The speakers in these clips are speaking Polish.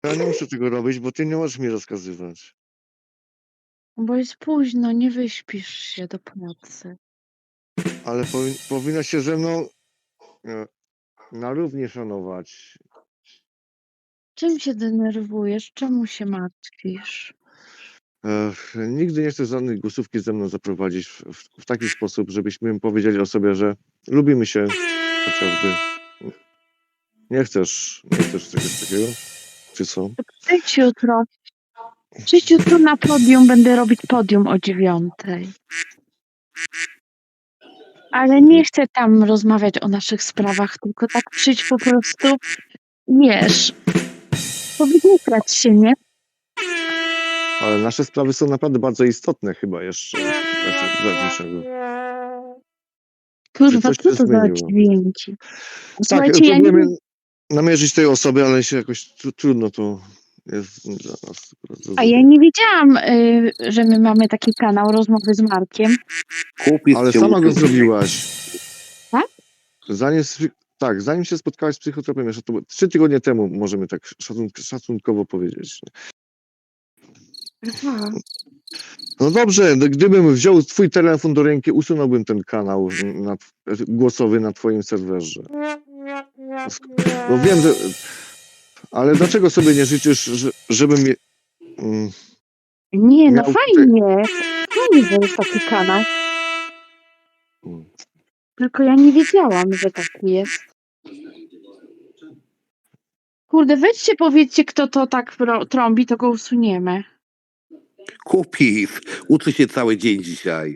Ja nie muszę tego robić, bo ty nie możesz mi rozkazywać. Bo jest późno, nie wyśpisz się do pracy. Ale powinno się ze mną na równi szanować. Czym się denerwujesz? Czemu się martwisz? Nigdy nie chcę żadnej głosówki ze mną zaprowadzić w taki sposób, żebyśmy powiedzieli o sobie, że lubimy się chociażby. Nie chcesz czegoś takiego? Czy co? Przyjdź jutro. Przyjdź jutro na podium, będę robić podium o 9:00. Ale nie chcę tam rozmawiać o naszych sprawach, tylko tak przyjdź po prostu, wiesz, powygłupiać się, nie? Ale nasze sprawy są naprawdę bardzo istotne chyba jeszcze. Bez niczego. Czy Kurwa, coś co się to za zmieniło? dźwięki? Tak, Słuchajcie, ja nie próbujemy wiem, namierzyć tej osoby, ale się jakoś trudno to jest dla nas do a ja zrobienia. nie wiedziałam, że my mamy taki kanał rozmowy z Markiem. Ale sama go zrobiłaś. Tak? Zanim się spotkałaś z psychotropem, jeszcze to było 3 tygodnie temu, możemy tak szacunkowo powiedzieć. Aha. No dobrze, gdybym wziął twój telefon do ręki, usunąłbym ten kanał głosowy na twoim serwerze. Bo wiem, że... Ale dlaczego sobie nie życzysz, żebym... Nie, no miał... fajnie. Fajnie, że jest taki kanał. Tylko ja nie wiedziałam, że taki jest. Kurde, weźcie, powiedzcie, kto to tak trąbi, to go usuniemy. Kupis, uczy się cały dzień dzisiaj.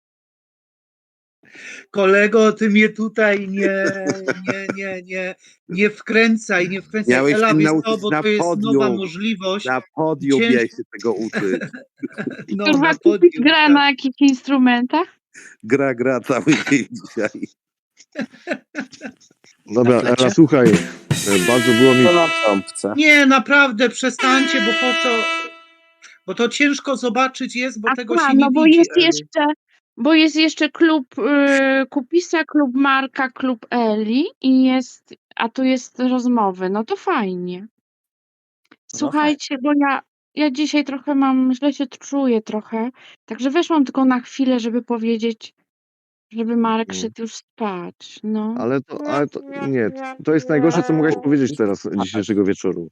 Kolego, ty mnie tutaj nie wkręcaj, nie wkręcaj. Miałeś Ela, się wiesz nauczyć co, bo na to jest nowa podium. możliwość. Na podium miałeś się tego uczyć. No, Kurwa, na Kupis podium. gra Tak. na jakich instrumentach? Gra cały dzień dzisiaj. Dobra, Ela, słuchaj, bardzo było mi... Nie, naprawdę, przestańcie, bo po co? Bo to ciężko zobaczyć jest, bo tego się nie no bo widzi. jest jeszcze klub Kupisa, klub Marka, klub Eli a tu jest rozmowy. No to fajnie. Słuchajcie, bo ja dzisiaj trochę źle się czuję trochę, także weszłam tylko na chwilę, żeby powiedzieć, żeby Marek szedł już spać, no. Ale to nie, to jest najgorsze, co mogłaś powiedzieć teraz, dzisiejszego wieczoru.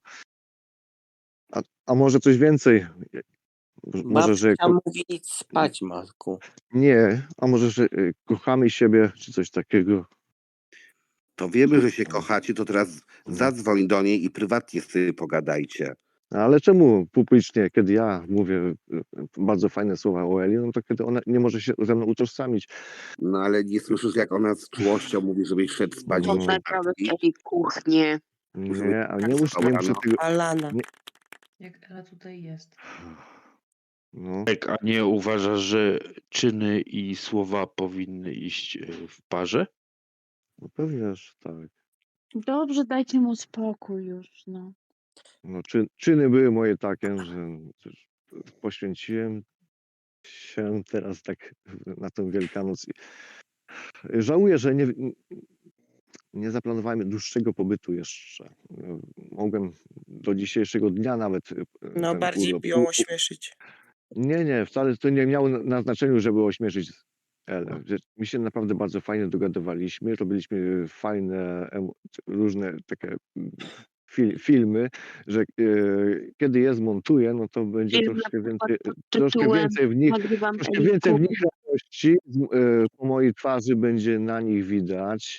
A może coś więcej? Może, że... mówi idź spać, Marku. Nie, a może, że kochamy siebie, czy coś takiego. To wiemy, że się kochacie, to teraz zadzwoń do niej i prywatnie sobie pogadajcie. Ale czemu publicznie, kiedy ja mówię bardzo fajne słowa o Eli, no to kiedy ona nie może się ze mną utożsamić. No ale nie słyszysz, jak ona z czułością mówi, żebyś szedł spać. No. Naprawdę w kuchnię. Nie, a nie muszę tego... Alana. Jak Ela tutaj jest. No. Tak, a nie uważasz, że czyny i słowa powinny iść w parze? No pewnie, że tak. Dobrze, dajcie mu spokój już, no. No, czyny były moje takie, że poświęciłem się teraz tak na tę Wielkanoc. Żałuję, że nie zaplanowałem dłuższego pobytu jeszcze. Mogłem do dzisiejszego dnia nawet... No bardziej urlop... ją ośmieszyć. Nie, wcale to nie miało na znaczeniu, żeby ośmieszyć Elę. My się naprawdę bardzo fajnie dogadywaliśmy, robiliśmy fajne, różne takie filmy, że kiedy je zmontuję, no to będzie troszkę więcej w nich radości po mojej twarzy będzie na nich widać.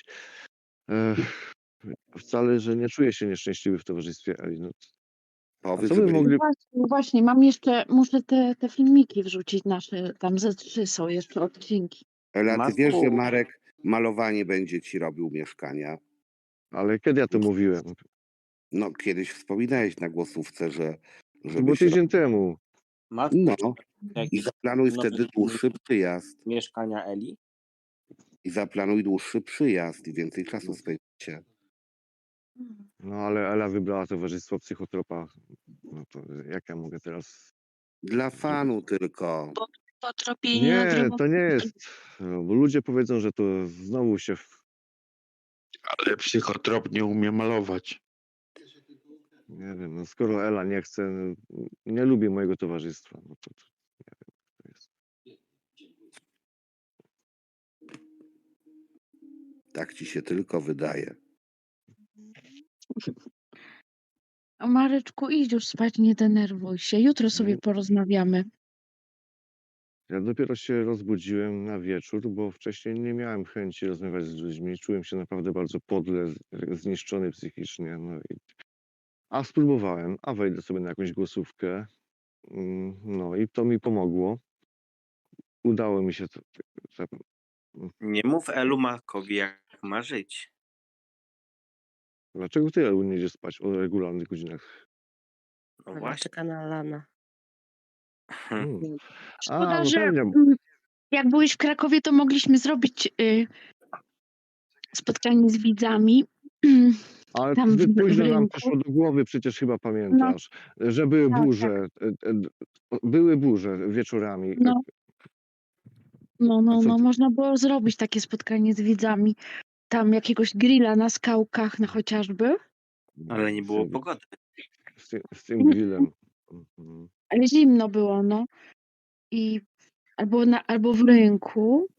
Wcale, że nie czuję się nieszczęśliwy w towarzystwie Eli. No. Powiedz, Co by mogli... Właśnie, muszę te filmiki wrzucić nasze, tam ze 3 są jeszcze odcinki. Ela, ty Marku. wiesz, że Marek malowanie będzie ci robił mieszkania? Ale kiedy ja to mówiłem? No, kiedyś wspominałeś na głosówce, że... To było tydzień temu. Marku, No, i zaplanuj wtedy dłuższy przyjazd. mieszkania Eli? I zaplanuj dłuższy przyjazd i więcej czasu spędzicie. No ale Ela wybrała towarzystwo psychotropa. No to jak ja mogę teraz... Dla fanu tylko. Po tropieniu Nie, to nie jest. No, bo ludzie powiedzą, że to znowu się... Ale psychotrop nie umie malować. Nie wiem, no skoro Ela nie chce, nie lubi mojego towarzystwa, no to nie wiem, jak to jest. Tak ci się tylko wydaje. A Mareczku, idź już spać, nie denerwuj się. Jutro sobie porozmawiamy. Ja dopiero się rozbudziłem na wieczór, bo wcześniej nie miałem chęci rozmawiać z ludźmi. Czułem się naprawdę bardzo podle, zniszczony psychicznie. A spróbowałem, a wejdę sobie na jakąś głosówkę. No i to mi pomogło. Udało mi się Nie mów Elu Markowi, jak ma żyć. Dlaczego ty, Elu, nie idziesz spać o regularnych godzinach? No Ona właśnie. czeka na Alana. Hmm. Szkoda, no że pewnie. jak byłeś w Krakowie, to mogliśmy zrobić spotkanie z widzami. Ale Tam zbyt w późno nam rynku. przyszło do głowy, przecież chyba pamiętasz, że były tak, burze. Były burze wieczorami. No. A co ty? Można było zrobić takie spotkanie z widzami. Tam jakiegoś grilla na skałkach, no chociażby. Ale nie było Z tym- pogody. Z tym grillem. Mhm. Ale zimno było, no. I albo w rynku.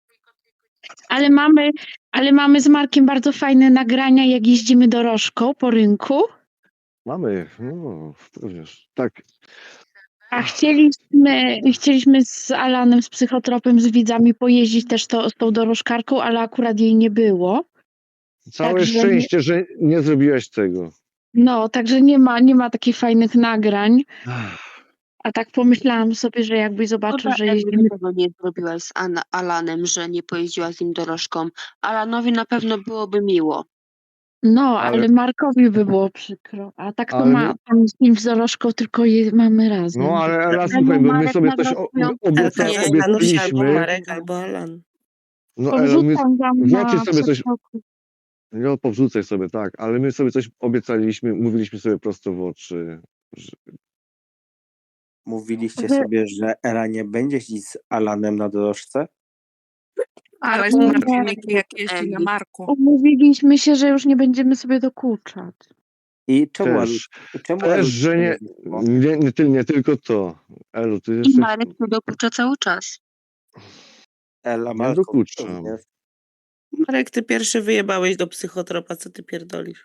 Ale mamy z Markiem bardzo fajne nagrania, jak jeździmy dorożką po rynku. Mamy, no, wiesz, tak. A chcieliśmy z Alanem, z psychotropem, z widzami pojeździć też z tą dorożkarką, ale akurat jej nie było. Całe Także szczęście, że nie zrobiłeś tego. No, także nie ma takich fajnych nagrań. A tak pomyślałam sobie, że jakbyś zobaczył, że jeździmy. Tego nie zrobiłaś z Alanem, że nie pojeździła z nim dorożką. Alanowi na pewno byłoby miło. No, Ale- ale Markowi by było przykro. A tak to Ale tam z nim z dorożką, tylko mamy razem. No ale Ela, Ale słuchaj, bo my Marek sobie nagrał coś swoją- Elka nie zastanów się, albo obiecaliśmy. Marek, albo Alan. No Ela, my Powrzucam wam włączyć na sobie coś. TikToku. No, powrzucaj sobie, tak, ale my sobie coś obiecaliśmy, mówiliśmy sobie prosto w oczy. Że... Mówiliście Że- sobie, że Ela nie będzie jeździć z Alanem na dorożce? Ale Albo znam że- filmiki, jak jeździ na Marku. Umówiliśmy się, że już nie będziemy sobie dokuczać. I czemu Też, Elu że nie, znikło? nie tylko to. Elu, ty I jeszcze Marek tu dokucza cały czas. Ela nie Markowi dokuczam. również. Marek, ty pierwszy wyjebałeś do psychotropa, co ty pierdolisz?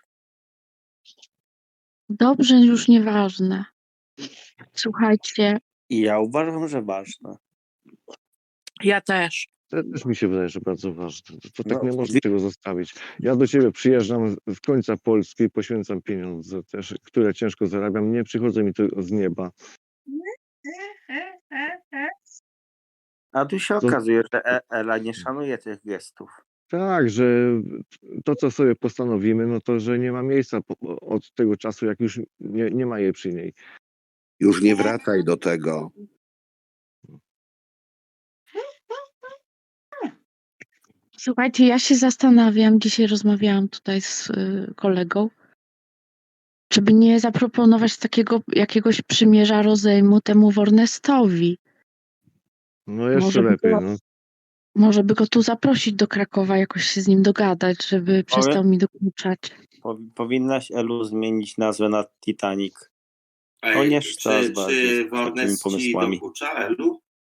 Dobrze, już nieważne. Słuchajcie, I ja uważam, że ważne. Ja też. To też mi się wydaje, że bardzo ważne. To tak No, nie można tego zostawić. Ja do ciebie przyjeżdżam z końca Polski, poświęcam pieniądze też, które ciężko zarabiam. Nie przychodzą mi to z nieba. A tu się To- okazuje, że Ela nie szanuje tych gestów. Tak, że to, co sobie postanowimy, no to, że nie ma miejsca od tego czasu, jak już nie ma jej przy niej. Już nie wracaj do tego. słuchajcie, ja się zastanawiam, dzisiaj rozmawiałam tutaj z kolegą, żeby nie zaproponować takiego jakiegoś przymierza rozejmu temu Warnestowi. No jeszcze Może by lepiej. było- No. Może by go tu zaprosić do Krakowa, jakoś się z nim dogadać, żeby przestał mi dokuczać. Powinnaś Elu zmienić nazwę na Titanic. To nie szta z takimi pomysłami. dokucza, Elu?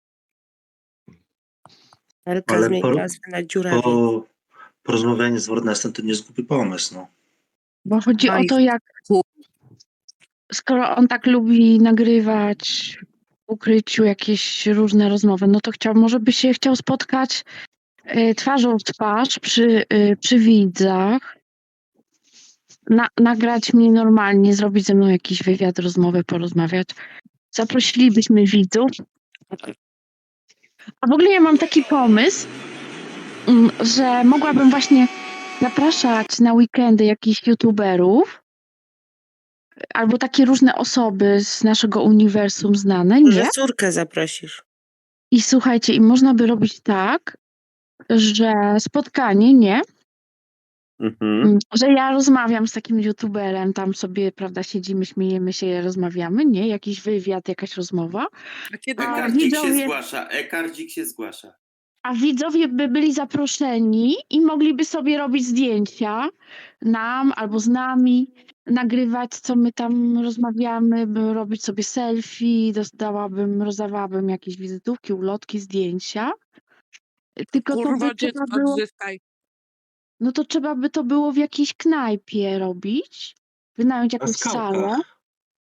Elka Ale zmieni nazwę na dziurawie. Porozmawianie z Warnestem to nie jest głupi pomysł, no. Bo chodzi No o i to, jak skoro on tak lubi nagrywać w ukryciu jakieś różne rozmowy, no to może by się chciał spotkać twarzą w twarz przy widzach, nagrać mnie normalnie, zrobić ze mną jakiś wywiad, rozmowę, porozmawiać. Zaprosilibyśmy widzów. A w ogóle ja mam taki pomysł, że mogłabym właśnie zapraszać na weekendy jakichś youtuberów albo takie różne osoby z naszego uniwersum znane, Może nie? córkę zaprosisz. I słuchajcie, i można by robić tak, że spotkanie, nie? Że ja rozmawiam z takim youtuberem, tam sobie, prawda, siedzimy, śmiejemy się, rozmawiamy, nie? Jakiś wywiad, jakaś rozmowa. A kiedy A Ekardzik się widzowie- zgłasza, Ekardzik się zgłasza. a widzowie by byli zaproszeni i mogliby sobie robić zdjęcia nam albo z nami, nagrywać, co my tam rozmawiamy, robić sobie selfie, rozdawałabym jakieś wizytówki, ulotki, zdjęcia. Tylko to by Kurwo, trzeba dziecko było, odzyskaj. no to trzeba by to było w jakiejś knajpie robić, wynająć Na jakąś salę. skałkach.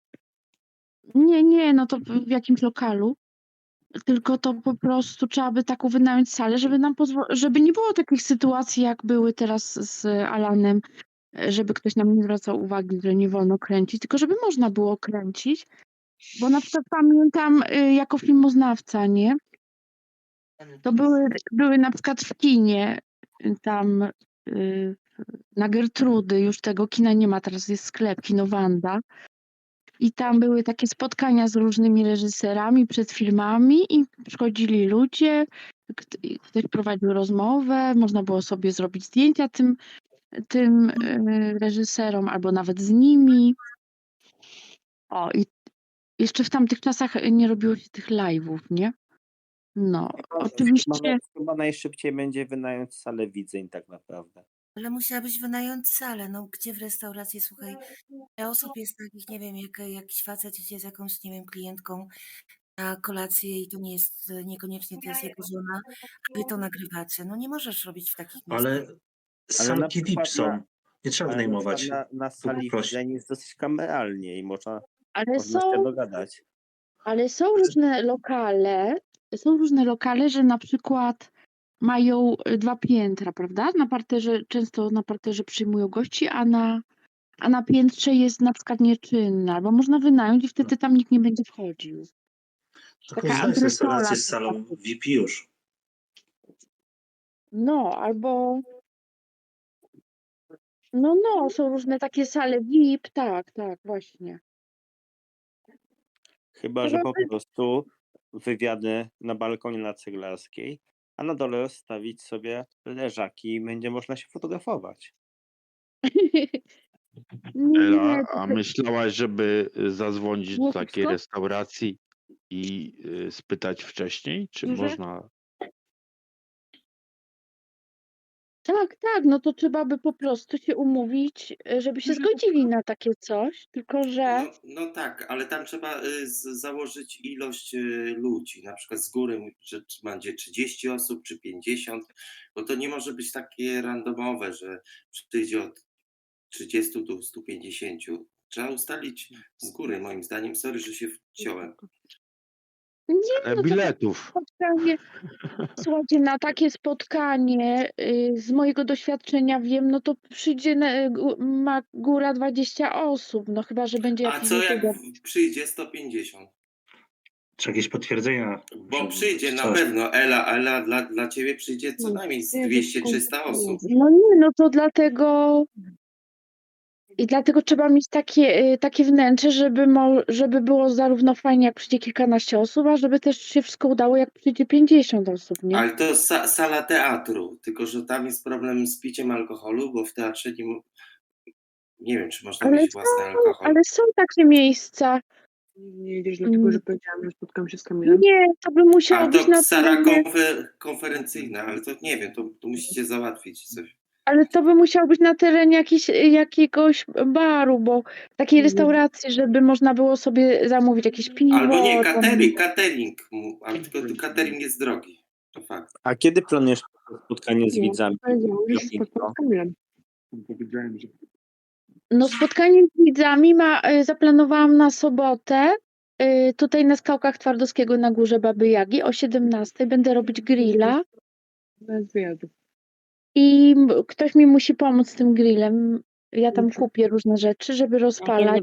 Nie, no to w jakimś lokalu. Tylko to po prostu trzeba by taką wynająć salę, żeby nam żeby nie było takich sytuacji, jak były teraz z Alanem, żeby ktoś nam nie zwracał uwagi, że nie wolno kręcić, tylko żeby można było kręcić. Bo na przykład pamiętam jako filmoznawca, nie? To były na przykład w kinie tam na Gertrudy, już tego kina nie ma, teraz jest sklep Kino Wanda. I tam były takie spotkania z różnymi reżyserami przed filmami i przychodzili ludzie, ktoś prowadził rozmowę, można było sobie zrobić zdjęcia tym reżyserom albo nawet z nimi. O, i jeszcze w tamtych czasach nie robiło się tych live'ów, nie? No, oczywiście. Chyba najszybciej będzie wynająć salę widzeń tak naprawdę. Ale musiałabyś wynająć salę, no gdzie w restauracji, słuchaj, ile osób jest takich, nie wiem, jakiś facet idzie z jakąś, nie wiem, klientką na kolację i to nie jest, niekoniecznie to jest jego żona, a wy to nagrywacie. No nie możesz robić w takich miejscach. Ale salki VIP są. Nie trzeba wynajmować. Na sali poprosić. widzeń jest dosyć kameralnie i można Ale się dogadać. Ale są różne lokale, że na przykład mają 2 piętra, prawda? Często na parterze przyjmują gości, a na piętrze jest na przykład nieczynna, albo można wynająć i wtedy tam nikt nie będzie wchodził. To Taka korzystaj z antresola restauracji z taka. salą VIP już. No, albo no, są różne takie sale VIP, tak, właśnie. Chyba, że po prostu wywiady na balkonie na Ceglarskiej, a na dole rozstawić sobie leżaki i będzie można się fotografować. Ela, to a myślałaś, żeby zadzwonić do takiej wszystko? restauracji i spytać wcześniej, czy Duże? można? Tak, no to trzeba by po prostu się umówić, żeby się zgodzili na takie coś, tylko że No tak, ale tam trzeba założyć ilość ludzi, na przykład z góry, że będzie 30 osób czy 50, bo to nie może być takie randomowe, że przyjdzie od 30 do 150. Trzeba ustalić z góry, moim zdaniem. Sorry, że się wciąłem. nie, no to Biletów. spotkanie, słuchajcie, na takie spotkanie z mojego doświadczenia wiem, no to przyjdzie ma góra 20 osób, no chyba, że będzie A jakiś co jak youtuber. przyjdzie 150? Czy jakieś potwierdzenia? Bo przyjdzie na coś. pewno. Ela, dla ciebie przyjdzie co najmniej z 200-300 osób. No nie, no to dlatego trzeba mieć takie wnętrze, żeby było zarówno fajnie, jak przyjdzie kilkanaście osób, a żeby też się wszystko udało, jak przyjdzie 50 osób, nie? Ale to sala teatru, tylko że tam jest problem z piciem alkoholu, bo w teatrze nie wiem, czy można mieć własny alkohol. Ale są takie miejsca. Nie jedziesz dlatego, że powiedziałam, że spotkam się z Kamilem. Nie, to by musiało A być to na sala terenie, konferencyjna, ale to nie wiem, to musicie załatwić coś. ale to by musiało być na terenie jakiegoś baru, bo takiej restauracji, żeby można było sobie zamówić jakieś piwo. Albo nie, tam- catering, ale tylko catering jest drogi. To fakt. A kiedy planujesz spotkanie z widzami? No spotkanie z widzami zaplanowałam na sobotę, tutaj na Skałkach Twardowskiego na Górze Baby Jagi o 17:00 będę robić grilla. Bez wyjazdu. I ktoś mi musi pomóc z tym grillem. Ja tam kupię różne rzeczy, żeby rozpalać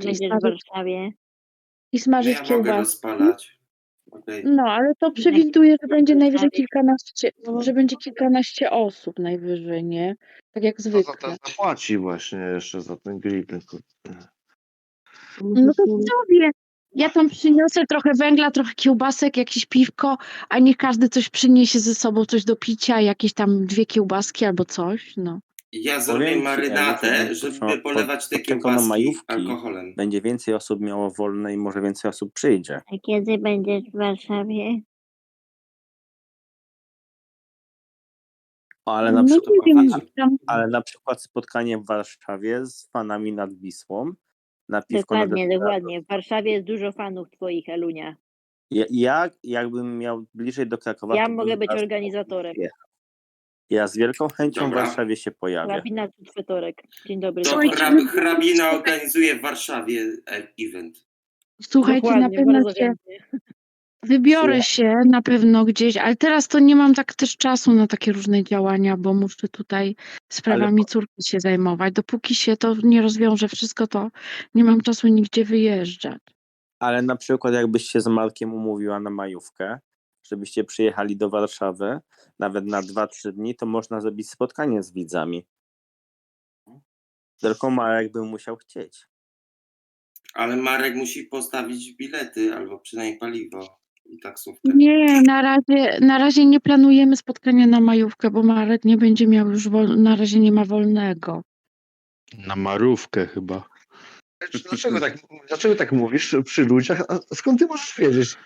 i No smażyć ja mogę kiełbasy. rozpalać. Okay. No, ale to przewiduję, że będzie najwyżej kilkanaście osób najwyżej, nie? Tak jak Kto za zwykle. to zapłaci właśnie jeszcze za ten grill? Tylko... No to sobie. Ja tam przyniosę trochę węgla, trochę kiełbasek, jakieś piwko, a niech każdy coś przyniesie ze sobą, coś do picia, jakieś tam 2 kiełbaski albo coś, no. Ja zrobię marynatę, żeby polewać te kiełbaski alkoholem. Będzie więcej osób miało wolne i może więcej osób przyjdzie. A kiedy będziesz w Warszawie? Ale na, No przykład, nie wiem, tam ale na przykład spotkanie w Warszawie z fanami nad Wisłą na piwko na Dokładnie, deser. dokładnie. W Warszawie jest dużo fanów twoich, Elunia. Ja jakbym miał bliżej do Krakowa, Ja to mogę bym być was organizatorem. pojechał. Ja z wielką chęcią w Dobra. Warszawie się pojawię. Hrabina Fetorek. Dzień dobry. To zapraszam. hrabina organizuje w Warszawie event. słuchajcie, na Dokładnie, pewno bardzo się chętnie. wybiorę się na pewno gdzieś, ale teraz to nie mam tak też czasu na takie różne działania, bo muszę tutaj sprawami córki się zajmować. Dopóki się to nie rozwiąże wszystko, to nie mam czasu nigdzie wyjeżdżać. Ale na przykład jakbyś się z Markiem umówiła na majówkę, żebyście przyjechali do Warszawy, nawet na 2-3 dni, to można zrobić spotkanie z widzami. Tylko Marek by musiał chcieć. Ale Marek musi postawić bilety albo przynajmniej paliwo i taksówkę. Nie, na razie nie planujemy spotkania na majówkę, bo Marek nie będzie miał już na razie nie ma wolnego. Na marówkę chyba. Dlaczego tak mówisz przy ludziach? A skąd ty możesz wiedzieć?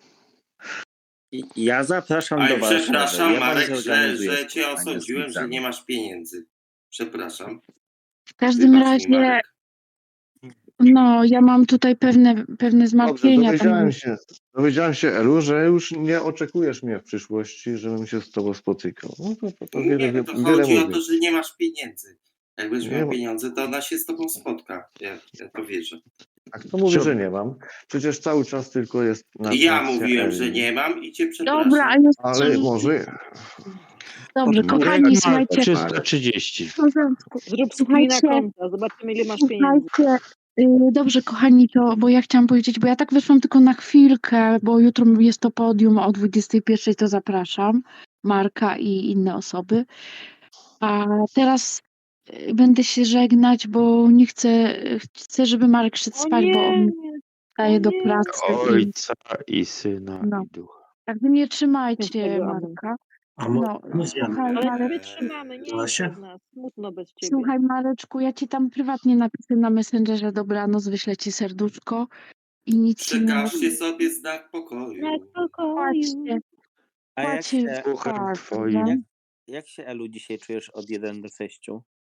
Ja zapraszam Ale do Warszawy. przepraszam, Ja wam Marek, zorganizuję że cię spotkanie z osądziłem, że widzami. nie masz pieniędzy. Przepraszam. W każdym Wybacz mi, razie, Marek. no ja mam tutaj pewne Dobrze, zmartwienia. dowiedziałem się, Elu, że już nie oczekujesz mnie w przyszłości, żebym się z tobą spotykał. No to Nie, wiele, no to wiele chodzi o mówi. to, że nie masz pieniędzy. Jak będziesz Nie miał ma- pieniądze, to ona się z tobą spotka. Ja to wierzę. A kto mówi, że nie mam? Przecież cały czas tylko jest Ja narracja mówiłem, Eli. że nie mam i cię przepraszam. Dobra, Ale może... Dobrze, kochani, słuchajcie. 330. W porządku. Zrób screena Słuchajcie, konta, zobaczymy ile masz pieniędzy. słuchajcie, dobrze, kochani, bo ja chciałam powiedzieć, bo ja tak wyszłam tylko na chwilkę, bo jutro jest to podium o 21:00, to zapraszam Marka i inne osoby. A teraz będę się żegnać, bo nie chcę, żeby Marek szedł spać, bo on daje do pracy. Ojca i Syna No. i Ducha. Także nie trzymajcie Świętego, amen. Marka. A No, słuchaj, Ale my Marek, trzymamy, nie Da jest się? bez nas. Smutno bez ciebie. słuchaj, Mareczku, ja ci tam prywatnie napiszę na Messengerze dobranoc, wyślę ci serduszko i nic ci nie Przekażcie sobie znak pokoju. Na spokoju. Patrzcie, A jak patrzcie się, Duchem spać, twoim. prawda? jak się, Elu, dzisiaj czujesz od 1 do 6?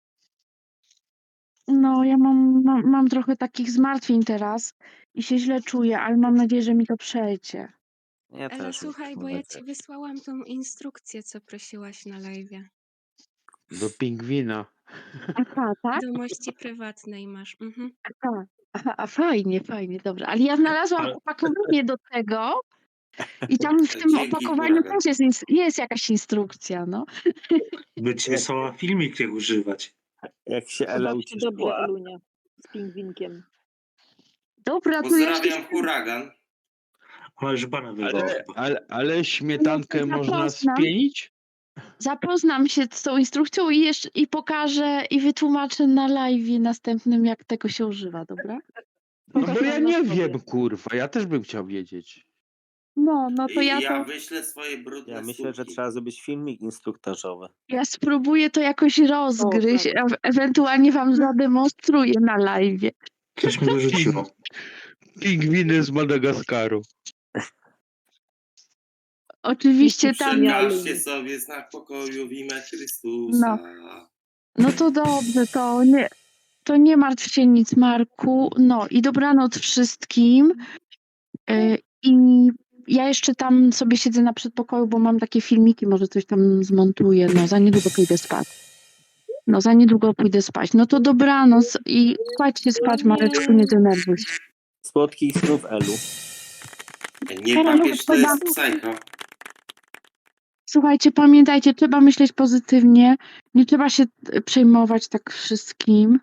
No, ja mam trochę takich zmartwień teraz i się źle czuję, ale mam nadzieję, że mi to przejdzie. Ja Ale też. słuchaj, bo ja ci wysłałam tą instrukcję, co prosiłaś na live'ie. Do pingwina. Aha, tak? Do mości prywatnej masz. Mhm. Aha, fajnie, dobrze. Ale ja znalazłam Ale- opakowanie do tego i tam w tym Dzięki, opakowaniu huragan. też jest jakaś instrukcja, no. By ci wysłała filmik, jak używać. Jak się Ela Zobaczcie dobrze, ucieszyła. Elunia. Z pingwinkiem. Dobra, to ja się... Pozdrawiam, huragan. Ona już bana wywołała. Ale śmietankę można zapraszam. spienić? Zapoznam się z tą instrukcją i pokażę i wytłumaczę na live'ie następnym, jak tego się używa, dobra? No bo ja nie wiem, kurwa. Ja też bym chciał wiedzieć. No to I ja ja to... wyślę swoje brudne Ja myślę, że sutki. trzeba zrobić filmik instruktażowy. Ja spróbuję to jakoś rozgryźć, ewentualnie wam zademonstruję na live'ie. Coś mi wyrzuciło. Pingwiny z Madagaskaru. Oczywiście tam... Przekażcie sobie znak pokoju w imię Chrystusa. No to dobrze, to nie martw się nic, Marku. No i dobranoc wszystkim. I ja jeszcze tam sobie siedzę na przedpokoju, bo mam takie filmiki, może coś tam zmontuję. No, za niedługo pójdę spać. No to dobranoc i kładźcie spać, Mareczku, nie denerwuj się. Słodkich snów, Elu. Nie papież to jest psycho. Słuchajcie, pamiętajcie, trzeba myśleć pozytywnie, nie trzeba się przejmować tak wszystkim.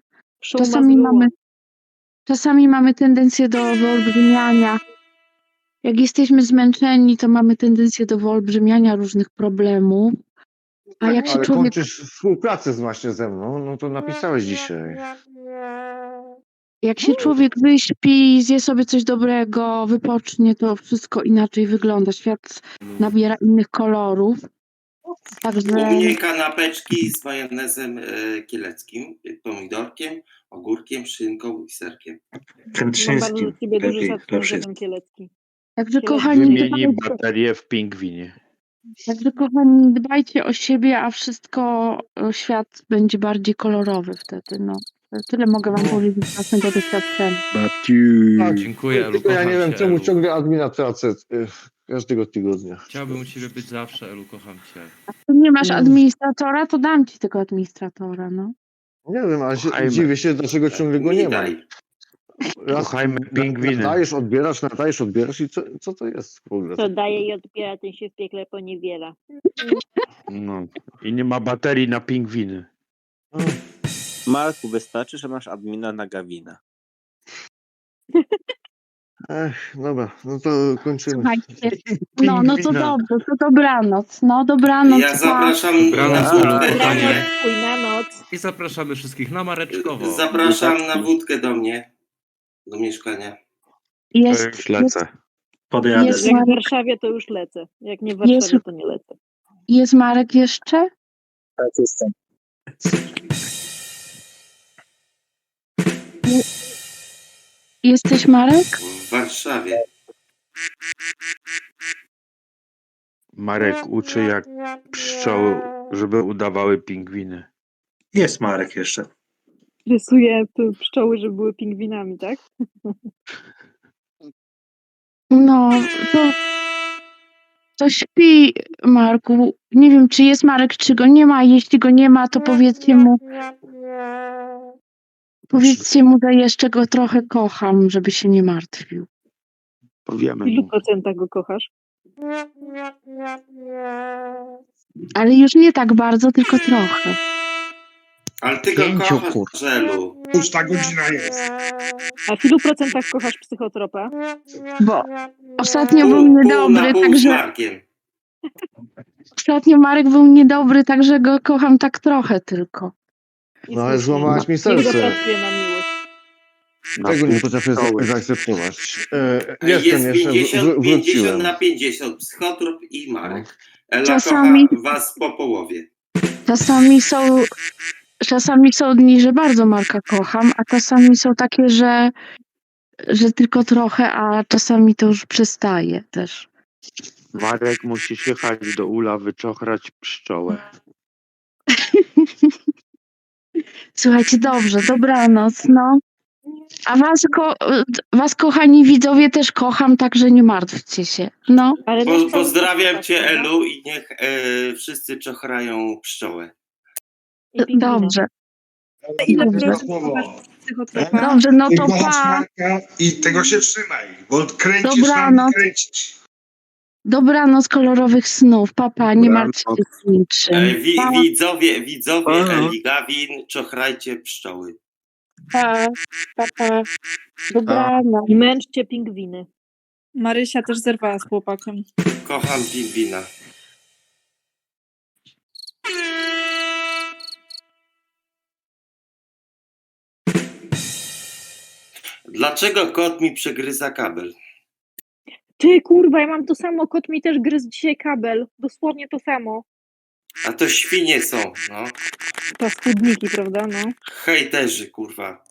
Czasami mamy tendencję do wyolbrzymiania. Jak jesteśmy zmęczeni, to mamy tendencję do wyolbrzymiania różnych problemów. A jak się Ale człowiek... kończysz współpracę właśnie ze mną, no to napisałeś dzisiaj. Jak się człowiek wyśpi, zje sobie coś dobrego, wypocznie, to wszystko inaczej wygląda. Świat nabiera innych kolorów. Także... U mnie kanapeczki z majonezem kieleckim, pomidorkiem, ogórkiem, szynką i serkiem. Mam bardzo do ciebie duży szacunek za ten kielecki. Także kochani, Wymieni baterię w pingwinie. Także kochani, dbajcie o siebie, a wszystko, świat będzie bardziej kolorowy wtedy, no. Tyle mogę wam powiedzieć z własnego doświadczenia. Babciu. Dziękuję, Elu, Tylko ja nie kocham wiem, cię, czemu Elu. ciągle admina tracę każdego tygodnia. Chciałbym u ciebie być zawsze, Elu, kocham cię. Tu nie masz administratora, to dam ci tego administratora, no. Nie wiem, ale Kochajmy. dziwię się, dlaczego ciągle go nie ma. daj. Raz Kochajmy pingwiny. nadajesz, odbierasz i co to jest w ogóle? Co daje i odbiera, ten się w piekle poniewiela. No. I nie ma baterii na pingwiny. Marku, wystarczy, że masz admina na Gawina. Dobra, no to kończymy. Słuchajcie, no to Pingwina. dobrze, to dobranoc, no dobranoc. Ja pa. zapraszam Dobranoc, na Elu, wódkę do kochanie. mnie. Chuj na noc. I zapraszamy wszystkich na Mareczkowo. Zapraszam na wódkę do mnie. Do mieszkania. To Jest, już lecę. Podjadę. Jest Jak w Marek. Warszawie, to już lecę. Jak nie w Jest- Warszawie, to nie lecę. jest Marek jeszcze? Tak, jestem. Jesteś Marek? W Warszawie. Marek uczy jak pszczoły, żeby udawały pingwiny. Jest Marek jeszcze. Rysuję tu pszczoły, żeby były pingwinami, tak? No, to śpi, Marku. Nie wiem, czy jest Marek, czy go nie ma. Jeśli go nie ma, to powiedzcie mu, że jeszcze go trochę kocham, żeby się nie martwił. Powiemy W ilu mu. procentach go kochasz? Ale już nie tak bardzo, tylko trochę. Ale ty go Pięciu, kochasz, kur- Żelu. Już ta godzina jest. A w ilu procentach kochasz psychotropa? Bo ostatnio był Pół na niedobry, pół z także Markiem. ostatnio Marek był niedobry, także go kocham tak trochę tylko. I No ale słusznie. złamałaś mi Niech serce. zapracuje na miłość. Tego nie potrafię Pszczoły. zaakceptować. Jest Jestem jeszcze, 50 wróciłem. na 50. Psychotrop i Marek. Ela Czasami- kocha was po połowie. Czasami są dni, że bardzo Marka kocham, a czasami są takie, że tylko trochę, a czasami to już przestaje też. Marek musi jechać do ula, wyczochrać pszczołę. Słuchajcie, dobrze, dobranoc, no. A was, kochani widzowie, też kocham, także nie martwcie się. No, Ale nasz cały Pozdrawiam czas cię, tak, prawda? Elu, i niech wszyscy czochrają pszczołę. I pingwina. dobrze. Ile Dobrze. słowo. Psychotropa. Dobrze, no Ty to kochasz pa. Marka i tego się trzymaj, bo kręcisz Dobranoc. nam kręcisz. Dobranoc kolorowych snów. Papa, nie Dobranoc. martwcie się niczym. Pa, Widzowie Aha. Eli Gawin, czochrajcie pszczoły. pa, pa. Dobranoc. I męczcie pingwiny. Marysia też zerwała z chłopakiem. Kocham pingwina. Dlaczego kot mi przegryza kabel? Ty kurwa, ja mam to samo, kot mi też gryzł dzisiaj kabel. Dosłownie to samo. A to świnie są, no. Paskudniki, prawda, no. Hejterzy, kurwa.